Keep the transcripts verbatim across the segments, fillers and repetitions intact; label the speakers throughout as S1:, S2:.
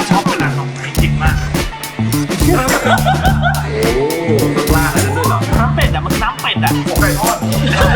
S1: ชอบเป็นร้านของไทยจริงมาก
S2: โอ้ต้องล่าอะไรด้วยเหรอ
S1: น้ำเป็ดอ่ะมันน้ำเป็ดอ่ะหัวไก่ทอด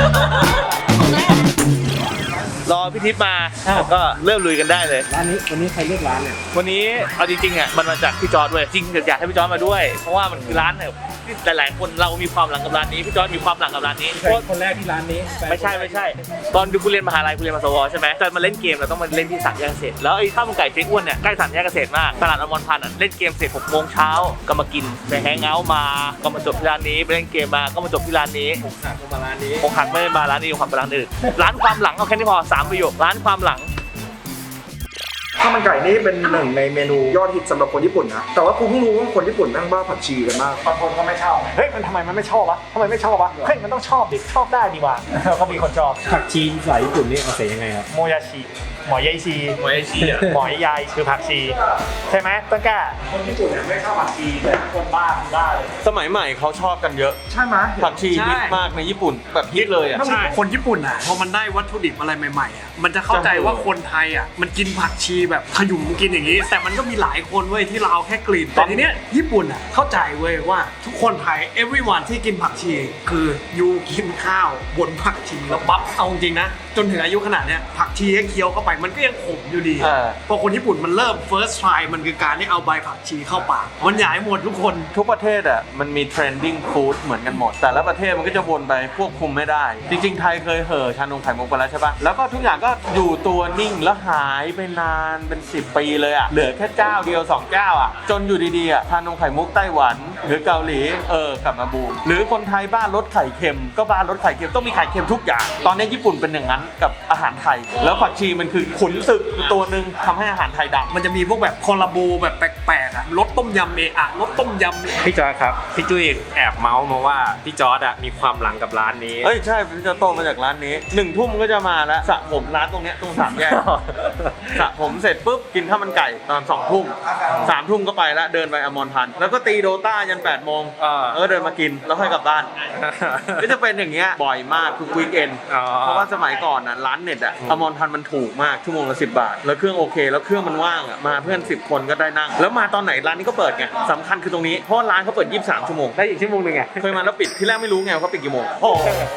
S1: รอพี่ทิพย์มาก็เริ่มลุยกันได้เลย
S2: ร้านนี้วันนี้ใครเลือกร้านเนี่ย
S1: วันนี้เอาจริงๆอ่ะมันมาจากพี่จอร์ดด้วยจริงอยากให้พี่จอร์ดมาด้วยเพราะว่ามันคือร้านเนี่ยหลายๆคนเรามีความหลังกับร้านนี้พี่จอร์ดมีความหลังกับร้านนี้เพราะ
S2: คนแรกที่ร้านนี้
S1: ไม่ใช่ไม่ใช่ตอนดูกูเรียนมหาลัยกูเรียนมาสวใช่ไหมตอนมาเล่นเกมเราต้องมาเล่นที่สามแยกเกษตรแล้วไอ้ข้าวมันไก่เจ๊อ้วนเนี่ยใกล้สามแยกเกษตรมากตลาดอมรพันธ์อ่ะเล่นเกมเสร็จหกโมงเช้าก็มากินไปแฮงเอาท์มาก็มาจบที่ร้านนี้ไปเล่นเกมมาก็มาจบที่ร้านนี้
S2: อกหักมาร้านนี้
S1: อกหักไม่ได้มาร้านนี้อกหักไปร้านอื่นร้านความหลังเอาแค่นี้พอสามประโยคร้านความหลัง
S3: ข้าวมันไก่นี่เป็นหนึ่งในเมนูยอดฮิตสำหรับคนญี่ปุ่นนะแต่ว่ากูเพิ่งรู้ว่าคนญี่ปุ่นแม่งบ้าผักชีกันมาก
S2: บางคนก็ไม่ชอบเฮ้ยมันทำไมมันไม่ชอบวะทำไมไม่ชอบวะเฮ้ยมันต้องชอบดิชอบได้ดีว่ะก็มีคนชอบผักชีสายญี่ปุ่นนี่เอาเสียยังไงครับ
S1: โมยาชิหมอยายชี
S2: หมอยายชีอ่ะ
S1: หมอยายคือผักชีใช่ไหมต้นกล้า
S2: คนญี่ปุ่นเนี่ยไม่ชอบผักชีแต่คนบ้าคือบ้าเลยสมัยใหม่เขาชอบกันเยอะ
S3: ใช่ไหม
S2: ผักชีฮิตมากในญี่ปุ่นแบบฮิตเลยอ่ะ
S1: ใช่คนญี่ปุ่นอ่ะพอมันได้วัตถุดิบอะไรใหม่ๆอ่ะมันจะเข้าใจว่าคนไทยอ่ะมันกินผักชีแบบขยุ่มกินอย่างนี้แต่มันก็มีหลายคนเว้ยที่เราแค่กลิ่นแต่ทีเนี้ยญี่ปุ่นอ่ะเข้าใจเว้ยว่าทุกคนไทย everyone ที่กินผักชีคือยูกินข้าวบนผักชีแล้วปั๊บเอาจริงนะจนถึงอายุขนาดเนี้ยผักชีแค่เคี้ยวเข้าไปมันก็ยังขมอยู่ดีพอคนญี่ปุ่นมันเริ่ม first try มันคือการที่เอาใบผักชีเข้าปากมันอยากให้หมดทุกคน
S2: ทุกประเทศอ่ะมันมี trending food เหมือนกันหมดแต่ละประเทศมันก็จะวนไปควบคุมไม่ได้จริงๆไทยเคยเห่อชานมไข่มุกไปแล้วใช่ปะแล้วก็ทุกอย่างก็อยู่ตัวนิ่งแล้วหายไปนานเป็นสิบปีเลยอ่ะเหลือแค่เจ้าเดียวสองเจ้าอ่ะจนอยู่ดีๆอ่ะชานมไข่มุกไต้หวันหรือเกาหลีเออกลับมาบูมหรือคนไทยบ้านรสไข่เค็มก็บ้านรสไข่เค็มต้องมีไข่เค็มทุกอย่างตอนนี้ญี่ปุ่นเป็นอย่างนั้นกับอาหารไทยแล้วผักชีมันคือขุนศึกตัวหนึ่งทำให้อาหารไทยดัง
S1: มันจะมีพวกแบบคอลลาโบแบบแปลกๆอ่ะรสต้มยำเมอะรสต้มยำ
S4: พี่จอร์ดครับพี่จุ้ยแอบเมาส์มาว่าพี่จอร์ดอ่ะมีความหลังกับร้านนี้
S2: เอ้ยใช่พี่จะโตมาจากร้านนี้หนึ่งทุ่มก็จะมาแล้วสระผมร้านตรงเนี้ยตรงสามแยกสระผมเสร็จปุ๊บกินข้าวมันไก่ตอนสองทุ่มสามทุ่มก็ไปแล้วเดินไปอมรพันธ์แล้วก็ตีโดต้ายันแปดโมงเออเดินมากินแล้วค่อยกลับบ้านก็จะเป็นอย่างเงี้ยบ่อยมากทุกวีคเอนเพราะว่าสมัยก่อนน่ะร้านเน็ตอ่ะอมรพันธ์มันถูกมากชั่วโมงละสิบบาทแล้วเครื่องโอเคแล้วเครื่องมันว่างอ่ะมาเพื่อนสิบคนก็ได้นั่งแล้วมาตอนไหนร้านนี้ก็เปิดไงสำคัญคือตรงนี้เพราะร้านเขาเปิดยี่สิบสามชั่วโมงได้อีกชั่วโมงนึงไงเคยมาแล้วปิดที่แรกไม่รู้ไงว่าเขาปิดกี่โมงโอ้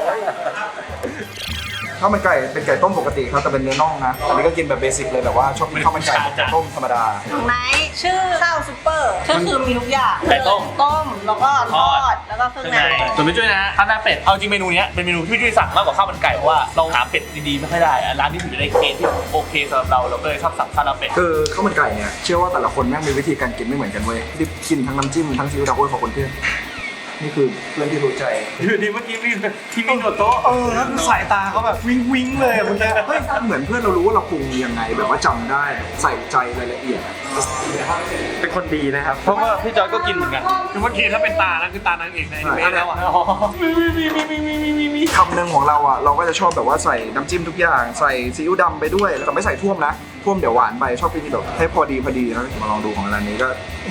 S3: ข้าวมันไก่เป็นไก่ต้มปกติครับแต่เป็นเนื้อน่องนะอันนี้ก็กินแบบเบสิกเลยแบบว่าชอบกินข้าวมันไก่ต้มธรรมดา
S5: ของไหนชื่อข้าวซุปเปอร์ก็คือมีทุกอย่าง
S1: ไก่ต้ม
S5: ต้มแล้วก็ทอดแล้วก็เครื่องใน
S1: ส่วนพี่จุ้ยนะข้าวหน้าเป็ดเอาจริงเมนูนี้เป็นเมนูที่พี่จุ้ยสั่งมากกว่าข้าวมันไก่เพราะว่าเราหาเป็ดดีๆไม่ค่อยได้ร้านนี้ถือจะได้เคสที่โอเคสำหรับเราเราก็เลยชอบสั่งข้าวหน้าเป็ด
S3: คือข้าวมันไก่เนี่ยเชื่อว่าแต่ละคนแม่งมีวิธีการกินไม่เหมือนกันเว้ยที่กินทั้งน้ำจิ้มทั้งซีอิ๊วดำโอ้ยขอบคุณเพื่อนนี่คือเพื่อนที่รู้ใจ
S2: อยู่ดีเมื่อกี้มีที่มีโต๊ะ
S3: เออแล้วสายตาเขาแบบวิ้งวิ้งเลยเมื่อกี้เฮ้ยเหมือนเพื่อนเรารู้ว่าเราปรุงยังไงแบบว่าจำได้ใส่ใจรายละเอียด
S4: เป็นคนดีนะครับ
S2: เพราะว่าพี่จอยก็กินเหมือนกัน
S1: คือเมื่อกี้ถ้าเป็นตานั่นคือตานางเอกในอนิเมะแล้วอ่ะ
S3: คำหนึ่งของเราอ่ะเราก็จะชอบแบบว่าใส่น้ำจิ้มทุกอย่างใส่ซีอิ๊วดำไปด้วยแต่ไม่ใส่ท่วมนะท่วมเดี๋ยวหวานไปชอบกินแบบให้พอดีพอดีนะมาลองดูของร้านนี้ก็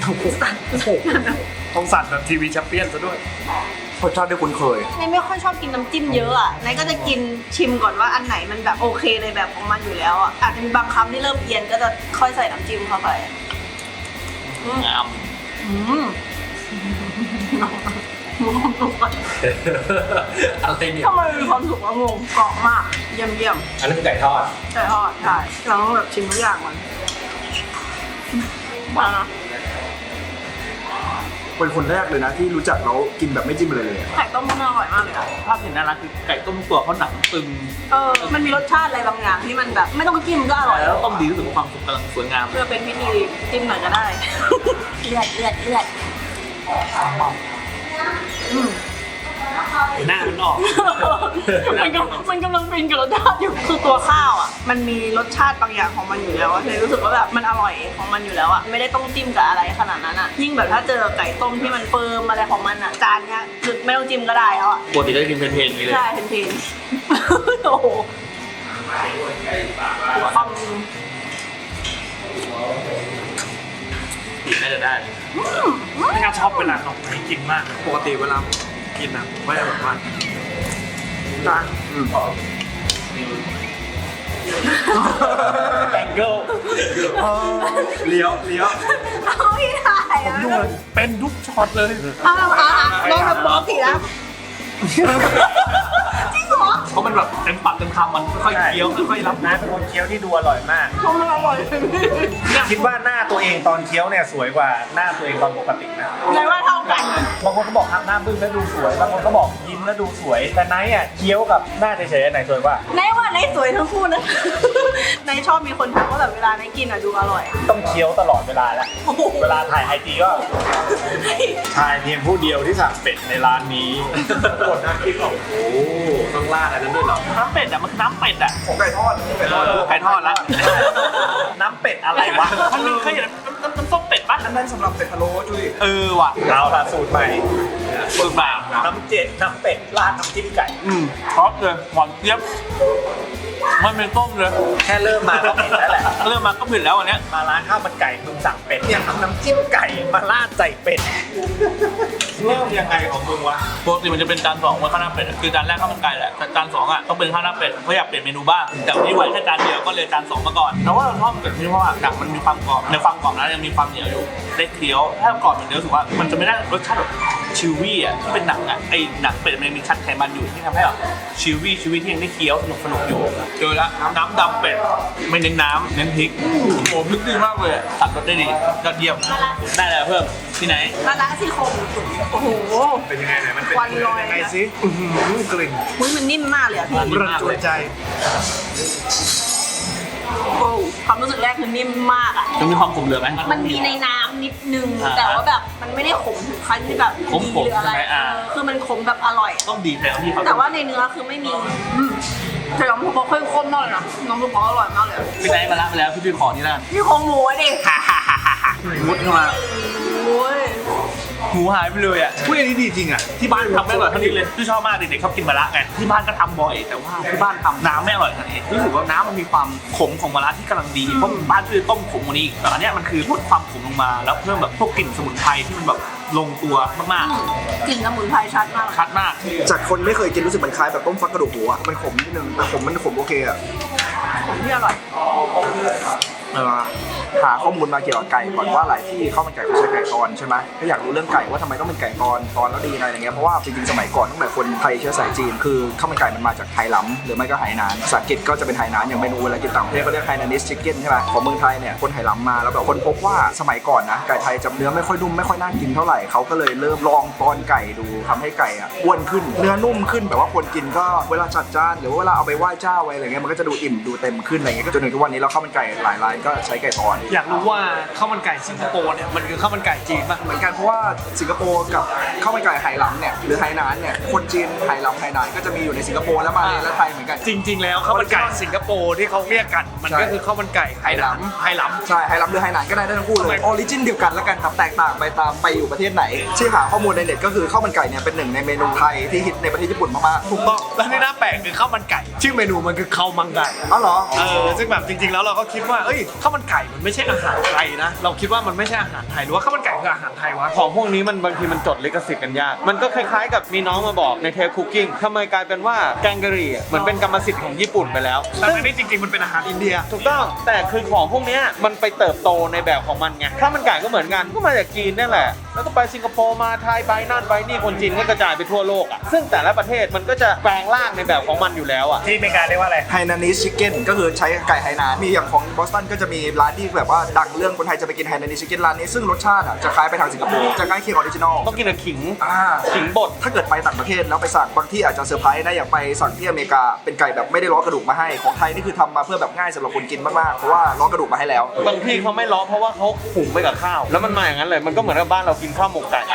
S1: ต้องสั่นแบบทีวีแชมเปี้ยนซะด้วย
S3: รสชาติที่คุ้นเคย
S5: นายไม่ค่อยชอบกินน้ำจิ้มเยอะอ่ะนายก็จะกินชิมก่อนว่าอันไหนมันแบบโอเคในแบบของมันอยู่แล้วอ่ะอาจจะมีบางคำที่เริ่มเอียนก็จะค่อยใส่น้ำจิ้มเข้าไป
S1: งาม
S5: อะไรเนี่ยทำไมมีความสุขอะงงกรอบมากเยี่ยมเยี่ยม
S4: อันนี้คือไก่ทอด
S5: ไก่ทอดใช่เราต้องแบบชิมทุกอย่างมันมานะ
S3: เป็นคนแรกเลยนะที่รู้จักแล้วกินแบบไม่จิ้มเลยเลย
S5: ไก่ต้มมันอร่อยมากเลยอะ
S1: ภาพเห็นน่ารักคือไก่ต้มตัวเขาหนังตึง
S5: เออมันมีรสชาติอะไรบางอย่างที่มันแบบไม่ต้องจิ้มก็อร่อย
S1: แล้วต้มดีรู้สึกว่าความสุขกำลังสวยงาม
S5: เพื่อเป็นพิธีจิ้มหน่อยก็ได้เลือดเลือดเลือด
S1: หน้ามันออก
S5: มันกำมันกำลังเป็นกับรสชาติอยู่คือตัวข้าวอ่ะมันมีรสชาติบางอย่างของมันอยู่แล้วเลยรู้สึกว่าแบบมันอร่อยของมันอยู่แล้วอ่ะไม่ได้ต้องจิ้มกับอะไรขนาดนั้นอ่ะยิ่งแบบถ้าเจอไก่ต้มที่มันเฟิร์มอะไรของมันอ่ะจานเนี้ยคือไม่ต้องจิ้มก็ได้แล้วอ่ะ
S1: ปกติก็จะกินเพลนๆนี่เลย
S5: ใช่เพลนๆโอ้โหความ
S1: กินน่าจะได้ไม่น่าชอบเป็นร้านของไทยจริงมากปกติเวลากินนะไม่ได้แบบว่า
S3: จาน
S4: แองเกิล
S2: เลี้ยวเลี้ยว
S5: เอาพี่ถ่ายอ่ะ
S1: ดูเลยเป็นทุกช็อตเลย
S5: เอาเอาเอาลองแบบบอกสิแล้วจริงเหรอ
S1: เพราะมันแบบเต็มปากเต็มคำมันค่อยๆเคี้ยวค่อยๆรับ
S4: น้าเป็นคนเคี้ยวที่ดูอร่อยมาก
S5: เพราะมันอร่อย
S4: คิดว่าหน้าตัวเองตอนเคี้ยวเนี่ยสวยกว่าหน้าตัวเองตอนปกตินะ
S5: เลยว่าเท่ากัน
S4: บางคนก็บอกทำหน้าบึ้งแล้วดูสวย บางคนก็บอกยิ้มแล้วดูสวย แต่ไนท์อ่ะเคี้ยวกับหน้าเฉยๆอันไหนสวยกว่า
S5: ในว่าในสวยทั้งคู่นะ ในชอบมีคนทักว่าแบบเวลาในกินอ่ะดูอร่อย
S4: ต้องเคี้ยวตลอดเวลาแล้ว เวลาถ่ายไอจีก็ชายเพียงผู้เดียวที่สั่งเป็ดในร้านนี้กดน้ำพริกออกโอ้ต้องราดอะไรนั้นด้วยเหรอ
S1: น้ำเป็ดอ่ะมันคือน้ำเป็ดอ่ะ
S3: ของไก่ทอดไก่ทอด
S1: ไก่ทอดละ
S4: น้ำเป็ดอะไรวะ
S1: มันมีเคยเห็นน้ำน้ำส้มเป็ดป่ะ
S3: อันนั้นสำหรับเป็ดพะโล้จุ้ย
S1: เออว่ะ
S4: เอาละสูตรใหม่
S1: สูตรแบบ
S4: น้ำเจ็ดน้ำเป็ดราดน้ำจิ้มไก่
S1: อืมชอบเลยหวานเจี๊ยบมันเป็นต้มเลย
S4: แค่เริ่มมาก็เผ็ดแล้วแหละ
S1: เริ่มมาก็ผิดแล้วอันเนี้ย
S4: มาร้านข้าวมันไก่มึงสั่งเป็ดเนี่ยทำน้ำจิ้มไก่มาราดใส่เป็ดเริ่มยังไงของมึงวะ
S1: ปกติมันจะเป็นจานสองไว้ข้าวหน้าเป็ดคือจานแรกข้าวมันไก่แหละแต่จานสองอ่ะต้องเป็นข้าวหน้าเป็ดเพราะอยากเปลี่ยนเมนูบ้างแต่วันนี้ไว้แค่จานเดียวก็เลยจานสองมาก่อนแต่ว่าเราชอบเป็ดที่เพราะว่าหนังมันมีความกรอบในความกรอบนั้นยังมีความเหนียวอยู่ได้เคี้ยวถ้ากรอบเหมือนเดิมรู้สึกว่ามันจะไม่ได้รสชาติแบบชิววี่อ่ะที่เป็นหนังอ่ะไอหนังเป็ดมันมีชั้นไขมันอยู่ที่ทำให้แบบชิววี่ชิววี่ที่ยังได้เคี้ยวสนุกสนุกอยู่เจอละน้ำดำเป็ดไม่เน้นน้ำเน้นพริกโอ้โหพริกดีมากเลยตัดรสได้ดียอดเยี่ยมได้เลยเพิ่มที่ไหน
S5: มาละซี่โครงโอ้โห
S4: เป็นยังไงไหนมันเป็น
S5: ควันลอย
S4: ยังไง
S5: นะ
S4: สิ
S3: กลิ่น
S5: อุ้ยมันนิ่มมากเลยอ่ะพี่
S3: รันจวนใจ
S5: โอ้ความรู้สึกแรกคือนิ่มมากอ่ะ
S1: จะมีความขมเหลือไหม
S5: มันมีในน้ำนิดนึง
S1: อ่า
S5: แต่ว่าแบบมันไม่ได้ขมถึงขั้นที่แบบ
S1: ขมๆ
S5: ดีหรืออะไร
S1: ใช่ไหมอ่า
S5: เออคือมันขมแบบอร่อย
S1: ต้องดีแทนที่เขา
S5: แต่ว่าในเนื้อคือไม่มีอืมแต่น้ำซุปเขาเข้มข้นมากเลยนะน้ำซุปเขาอร่อยมากเลยอะ
S1: พี่ไนท์มาละไปแล้วพี่พี่ขอนี่แล้วกัน
S5: นี่ของหมูอะดิ
S1: มุดเข้ามา
S5: โอ้ย
S1: หมูหายไปเลยอ่ะพูดอันนี้ดีจริงอ่ะที่บ้านทำไม่อร่อยเท่านี้เลยที่ชอบมากเด็กๆชอบกินมะระไงที่บ้านก็ทำบ่อยแต่ว่าที่บ้านทำน้ำไม่อร่อยเท่านี้รู้สึกว่าน้ำมันมีความขมของมะระที่กำลังดีเพราะบ้านคือต้มขมกว่านี้อีกแต่อันเนี้ยมันคือลดความขมลงมาแล้วเพิ่มแบบพวกกลิ่นสมุนไพรที่มันแบบลงตัวมาก
S5: กลิ่นสมุนไพรชัดมาก
S1: ๆชัดมาก
S3: จากคนไม่เคยกินรู้สึกมันคล้ายแบบต้มฟักกระดูกหมูอะมันขมนิดนึงแต่ขมมันขมโอเคอะ
S5: ของที่อร่อย
S3: เออหาข้อมูลมาเกี่ยวกับไก่ก่อนว่าหลายที่ข้าวมันไก่เขาใช้ไก่ตอนใช่ไหมก็อยากรู้เรื่องไก่ว่าทำไมต้องเป็นไก่ตอนตอนแล้วดีอะไรอย่างเงี้ยเพราะว่าจริงๆสมัยก่อนตั้งแต่คนไทยเชื้อสายจีนคือข้าวมันไก่มันมาจากไหหลำหรือไม่ก็ไหหนานภาษาอังกฤษก็จะเป็นไหหนานอย่างเมนูเวลากินต่างประเทศเขาเรียกไฮนานิสชิคเก้นใช่ไหมของเมืองไทยเนี่ยคนไหหลำมาแล้วแบบคนพบว่าสมัยก่อนนะไก่ไทยจะเนื้อไม่ค่อยนุ่มไม่ค่อยน่ากินเท่าไหร่เขาก็เลยเริ่มลองตอนไก่ดูทำให้ไก่อ่ะอ้วนขึ้นเนื้อนุ่มขึ้นแบบว่าคนกินก็เวลาจัดจานหรือว่าเวลาเอาไปไหว้เจ้าอะไรเงี้ยมันก็จะดูอิ่มดูเต็มขึ้นอะไรเงี้ยก็จนถึงทุกวันนี้เราข้าวมันไก่หลายร้านก็ใช้ไก่ตอน
S1: อยากรู้ว่าข้าวมันไก่สิงคโปร์เนี่ยมันคือข้าวมันไก่จีนป่ะ
S3: เหมือนกันเพราะว่าสิงคโปร์กับข้าวมันไก่ไหหลำเนี่ยหรือไหหนานเนี่ยคนจีนไหหลำไหหนานก็จะมีอยู่ในสิงคโปร์และมาเลและไทยเหมือนกัน
S1: จริง ๆ แล้วข้าวมันไก่สิงคโปร์ที่เขาเรียกกันมัน
S3: ใช่
S1: ก็คือข้าวมันไก่ไหหลำไหหลำ
S3: ใช่ไหหลำหรือไหหนานก็ได้ทั้งคู่เลยออริจินเดียวกันแล้วกันครับแตกต่างไปตามไปอยู่ประเทศไหนที่หาข้อมูลในเน็ตก็คือข้าวมันไก่เนี่ยเป็นหนึ่งในเมนูไทยที่ฮิตในประเทศญี่ปุ่นมากๆ
S1: ถูกต้องแล้วที่น่าแปลกคือข้าวมันไก่ชื่อเมนูมันคือข้าวมังไก่
S3: อ๋อเหรอ
S1: เออซึ่งแบบจริง ๆ แล้วเราก็คิดว่าเอ้ยข้าวมันไก่มันไม่ใช่อาหารไทยนะเราคิดว่ามันไม่ใช่อาหารไทยหรือว่าข้าวมันไก่คืออาหารไทยวะ
S2: ของพวกนี้มันบางทีมันจดลิขสิทธิ์กันยาก มันก็คล้ายๆกับมีน้องมาบอกในเทปคุกกิ้งทำไมกลายเป็นว่าแกงกะหรี่อะเหมือนเป็นกรรมสิทธิ์ของญี่ปุ่นไปแล้ว
S1: แต่อันนี้จริง ๆ มันเป็นอาหารอินเดีย
S2: ถูกต้องแต่คือของพวกเนี้ยมันไปเติบโตในแบบของมันไงข้าวมันไก่ก็เหมือนกันก็มาจากจีนนี่แหละแล้วก็ไปสิงคโปร์มาไทยไปนั่นไปนี่คนจีนก็กระจายไปทั่วโลกอ่ะซึ่งแต่ละประเทศมันก็จะแปลงร่างในแบบของมันอยู่แล้วอ่ะ
S4: ที่อเมริกาเรียกว่าอะไร
S3: ไฮนานิสชิคเก้นก็คือใช้ไก่ไหหนานมีอย่างของบอสตันก็จะมีร้านที่แบบว่าดังเรื่องคนไทยจะไปกินไฮนานิสชิคเก้นร้านนี้ซึ่งรสชาติอ่ะจะคล้ายไปทางสิงคโปร์จะใกล้เคียงออริจินอล
S2: ต้องกินกับขิง
S3: อ่า
S2: ขิงบด
S3: ถ้าเกิดไปต่างประเทศแล้วไปสั่งบางที่อาจจะเซอร์ไพรส์นะอย่างไปสั่งที่อเมริกาเป็นไก่แบบไม่ได้ล้อกระดูกมาให้ของไทยนี่คือทำมาเพื่อแบบง่ายสำหรับคนกินมากๆเพราะว่าล้อกระดูกมาให้แล้ว
S2: บางที่เขาไม่ล้อเพราะว่าเขาหุงไปกับข้าว แล้วมันมาอย่างนั้นเลยมันก็เหมือนกับบ้านเรากินข้าวหมกไก่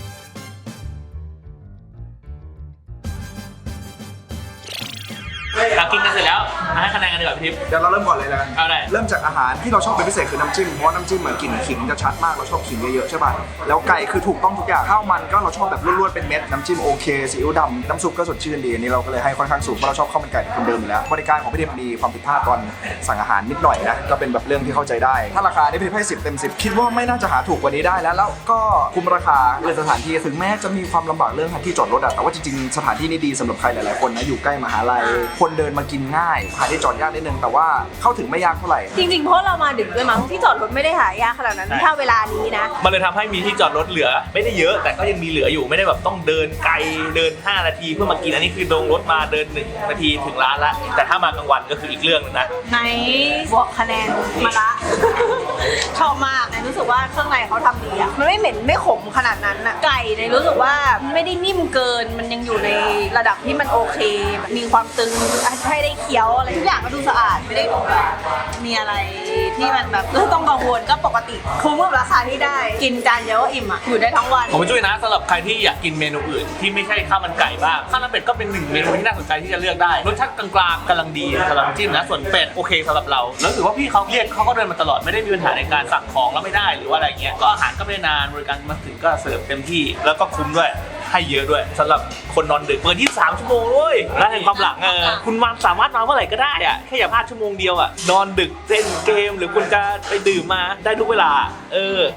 S3: อ
S2: เรากินกันเสร็จแล้วมาให้คะแนนกันดีกว่าพี่ทิพย์
S3: เดี๋ยวเราเริ่มก่อนเลยแล้วกัน
S2: เอาได้
S3: เริ่มจากอาหารที่เราชอบเป็นพิเศษคือน้ำจิ้มเพราะว่าน้ำจิ้มเหมือนกลิ่นขิงจะชัดมากเราชอบขิงเยอะๆใช่ป่ะแล้วไก่คือถูกต้องทุกอย่างข้าวมันก็เราชอบแบบล้วนๆเป็นเม็ดน้ำจิ้มโอเคซีอิ๊วดำน้ำซุปก็สดชื่นดีอันนี้เราก็เลยให้ค่อนข้างสูงเพราะเราชอบข้าวมันไก่คนเดิมอยู่แล้วบริการของพี่ทิพย์มีความผิดพลาดตอนสั่งอาหารนิดหน่อยนะก็เป็นแบบเรื่องที่เข้าใจได้ถ้าราคานี่พี่ทิพย์ให้สิบเต็มสิบคิดว่าไม่น่าจะหาถูกกว่านี้ได้แล้วแล้วก็คุ้มราคาเลยสถานที่ถึงแม้จะมีความลำบากเรื่องที่จอดรถอะแต่ว่าจริงๆสถานที่นี่ดีสำหรับใครหลายๆคนนะอยู่ใกล้มหาลัยคนเดินมากินง่ายหาที่จอดยากนิดนึงแต่ว่าเข้าถึงไม่ยากเท่าไหร่
S5: จริงๆเพราะเรามาดึกด้วยมั้งที่จอดรถไม่ได้หายากขนาดนั้นถ้าเวลานี้นะ
S2: มันเลยทำให้มีที่จอดรถเหลือไม่ได้เยอะแต่ก็ยังมีเหลืออยู่ไม่ได้แบบต้องเดินไกลเดินห้านาทีเพื่อมากินอันนี้คือลงรถมาเดินหนึ่งนาทีถึงร้านละแต่ถ้ามากลางวันก็คืออีกเรื่องนึงนะ
S5: ในบอกคะแนนมาละ ชอบมากในรู้สึกว่าเครื่องในเขาทำดีอะมันไม่เหม็นไม่ขมขนาดนั้นอะไก่ในรู้สึกว่าไม่ได้นิ่มเกินมันยังอยู่ในระดับที่มันโอเคมีความตึงให้ได้เคี้ยวอะไรทุกอย่างก็ดูสะอาดไม่ได้ดูแบบมีอะไรที่มันแบบต้องกังวลก็ปกติคุ้มกับราคาที่ได้กินจานเดียวก็อิ่มอะอยู่ได้ทั้งวัน
S2: ผมช่วยนะสำหรับใครที่อยากกินเมนูอื่นที่ไม่ใช่ข้าวมันไก่บ้างข้าวหน้าเป็ดก็เป็นหนึ่งเมนูที่น่าสนใจที่จะเลือกได้รสชาติกลางๆกำลังดีสำหรับน้ำจิ้มนะส่วนเป็ดโอเคสำหรับเราแล้วถือว่าพี่เขาเรียกเขาก็เดินมาตลอดไม่ได้มีปัญหาในการสั่งของแล้วไม่ได้หรือว่าอะไรเงี้ยก็อาหารก็ไม่นานบริการมาถึงก็เสิร์ฟเต็มที่แล้วก็คุ้มด้วยให้เยอะด้วยสำหรับคนนอนดึกเปิดยี่สิบสามชั่วโมงเลยร้านแห่งความหลังเออคุณมาสามารถมาเมื่อไหร่ก็ได้อะแค่อย่าพลาดชั่วโมงเดียวอะนอนดึกเล่นเกมหรือคุณจะไปดื่มมาได้ทุกเวลาเออ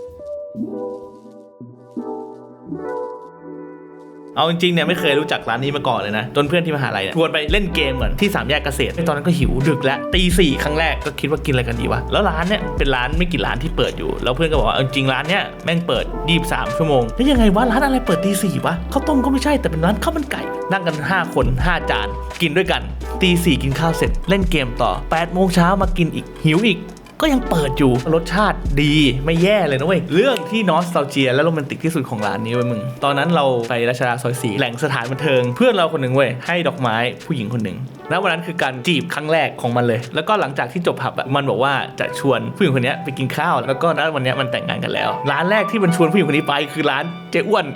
S2: เอาจริงๆเนี่ยไม่เคยรู้จักร้านนี้มาก่อนเลยนะจนเพื่อนที่มหาลัยเนี่ยชวนไปเล่นเกมก่อนที่สามแยกเกษตรตอนนั้นก็หิวดึกแล้วตีสี่ครั้งแรกก็คิดว่ากินอะไรกันดีวะแล้วร้านเนี่ยเป็นร้านไม่กี่ร้านที่เปิดอยู่แล้วเพื่อนก็บอกว่าจริงๆร้านเนี่ยแม่งเปิดยี่สิบสามชั่วโมงแล้วยังไงวะร้านอะไรเปิดตีสี่วะข้าวต้มก็ไม่ใช่แต่เป็นร้านข้าวมันไก่นั่งกันห้าคนห้าจานกินด้วยกันตีสี่กินข้าวเสร็จเล่นเกมต่อแปดโมงเช้ามากินอีกหิวอีกก็ยังเปิดอยู่รสชาติดีไม่แย่เลยนะเว้ยเรื่องที่นอสตัลเจียและโรแมนติกที่สุดของร้านนี้เว้ยมึงตอนนั้นเราไปรัชดาซอยสี่แหล่งสถานบันเทิงเพื่อนเราคนหนึ่งเว้ยให้ดอกไม้ผู้หญิงคนหนึ่งและวันนั้นคือการจีบครั้งแรกของมันเลยแล้วก็หลังจากที่จบผับอะมันบอกว่าจะชวนผู้หญิงคนนี้ไปกินข้าวแล้วก็ณวันนี้มันแต่งงานกันแล้วร้านแรกที่มันชวนผู้หญิงคนนี้ไปคือร้านเจ๊อ้วน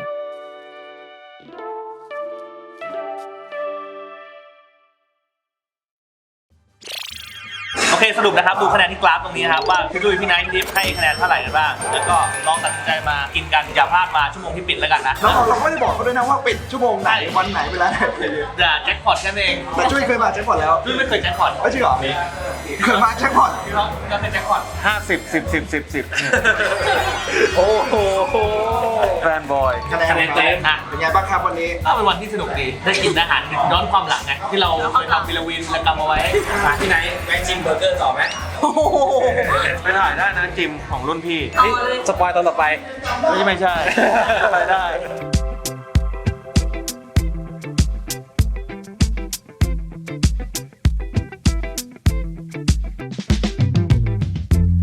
S2: โอเคสรุปนะครับดูคะแนนที่กราฟตรงนี้นะครับว่าพี่ดุยพี่ไนท์พี่ทิพย์ให้คะแนนเท่าไหร่กันบ้างแล้วก็ลองตัดสินใจมากินกันอย่าพลาดมาชั่วโมงที่ปิดแล้วกันนะ
S3: แล้วเราไม่ได้บอกเขาด้วยนะว่าปิดชั่วโมงไหนวันไหนเวลาไหน
S2: อย่าแจ็คพอตกันเอง
S3: แต่ช่วยเคยมาแจ็คพอตแล้ว
S2: ดุยไม่เคยแจ็คพอต
S3: ไม่จริงเหรอเคยมาแจ็คพอต
S2: พี่น้องก็เป็นแจ็คพอต
S4: ห้าสิบสิบสิบสิบสิบ
S3: โอ้โห
S4: แฟนบอย
S3: คะแนน
S2: คะแนนเต็มอ่ะ
S3: เป็นไงบ้างครับวันนี้
S2: ก็เป็นวันที่สนุกดีได้กินอาหารย้อนความหลังไงที่เราเคยทำวิลาวินและกำเอาไว้ที่ไหนแวะชิมเบอร์เกอร์ต่อไหม
S4: ไปถ่ายได้นะจิมของรุ่นพี่
S5: เอาเลย
S4: สปอยตอนต่อไป ไม่ใช่ไม่ใช่ไปได้